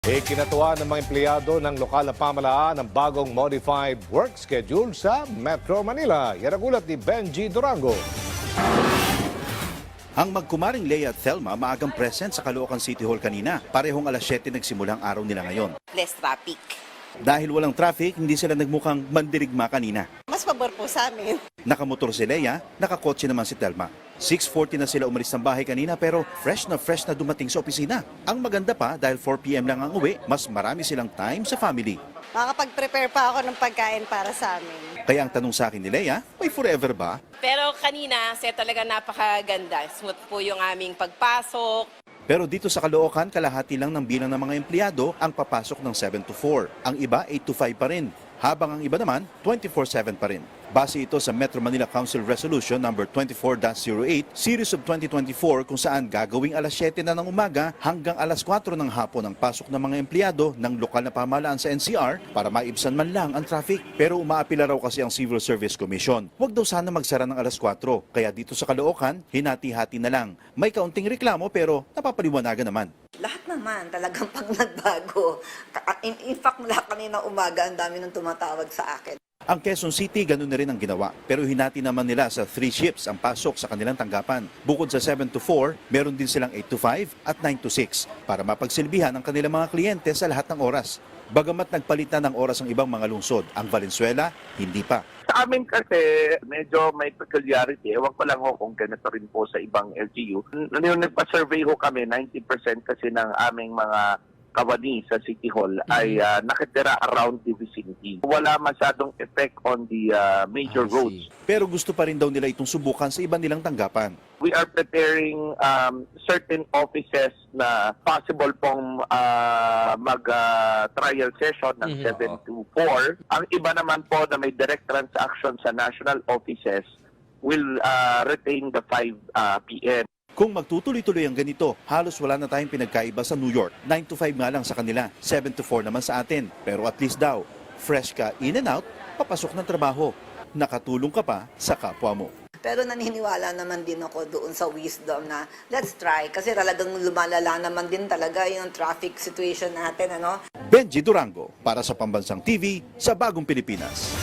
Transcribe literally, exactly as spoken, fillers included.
Ikinatuwa ng mga empleyado ng lokal na pamahalaan ang bagong modified work schedule sa Metro Manila. Yan ang ulat ni Benji Durango. Ang magkumaring Leia at Thelma maagang present sa Caloocan City Hall kanina. Parehong alas siyete nagsimula ang araw nila ngayon. Less traffic. Dahil walang traffic, hindi sila nagmukhang mandirigma kanina. Mas pabor po sa amin. Nakamotor si Leia, nakakotse naman si Thelma. six forty na sila umalis ng bahay kanina pero fresh na fresh na dumating sa opisina. Ang maganda pa dahil four p m lang ang uwi, mas marami silang time sa family. Makakapag-prepare pa ako ng pagkain para sa amin. Kaya ang tanong sa akin ni Leia, may forever ba? Pero kanina, kasi talaga napakaganda. Smooth po yung aming pagpasok. Pero dito sa Caloocan, kalahati lang ng bilang ng mga empleyado ang papasok ng seven to four. Ang iba, eight to five pa rin. Habang ang iba naman, twenty-four seven pa rin. Base ito sa Metro Manila Council Resolution number twenty-four dash oh eight, Series of twenty twenty-four kung saan gagawing alas siyete na ng umaga hanggang alas kwatro ng hapon ang pasok ng mga empleyado ng lokal na pamahalaan sa N C R para maibsan man lang ang traffic. Pero umaapila raw kasi ang Civil Service Commission. Huwag daw sana magsara ng alas kwatro. Kaya dito sa Caloocan, hinati-hati na lang. May kaunting reklamo pero napapaliwanagan naman. Lahat naman talagang pag nagbago. In, in fact, mula kanina umaga, ang dami nang tumatawag sa akin. Ang Quezon City, ganun na rin ang ginawa. Pero hinati naman nila sa three shifts ang pasok sa kanilang tanggapan. Bukod sa seven to four, meron din silang eight to five at nine to six para mapagsilbihan ang kanilang mga kliyente sa lahat ng oras. Bagamat nagpalit na ng oras ang ibang mga lungsod, ang Valenzuela, hindi pa. Sa amin kasi medyo may peculiarity. Ewan ko lang ho kung ganito rin po sa ibang L G U. Yung nagpa-survey ho kami, ninety percent kasi ng aming mga kawani sa City Hall ay uh, nakitira around the vicinity. Wala masyadong effect on the uh, major roads. Pero gusto pa rin daw nila itong subukan sa iba nilang tanggapan. We are preparing um, certain offices na possible pong uh, mag-trial uh, session ng mm-hmm. seven to four. Ang iba naman po na may direct transaction sa national offices will uh, retain the five p m Kung magtutuloy-tuloy ang ganito, halos wala na tayong pinagkaiba sa New York. nine to five nga lang sa kanila, seven to four naman sa atin. Pero at least daw, fresh ka in and out, papasok ng trabaho. Nakatulong ka pa sa kapwa mo. Pero naniniwala naman din ako doon sa wisdom na let's try. Kasi talagang lumalala naman din talaga yung traffic situation natin. Ano? Benji Durango, para sa Pambansang T V, sa Bagong Pilipinas.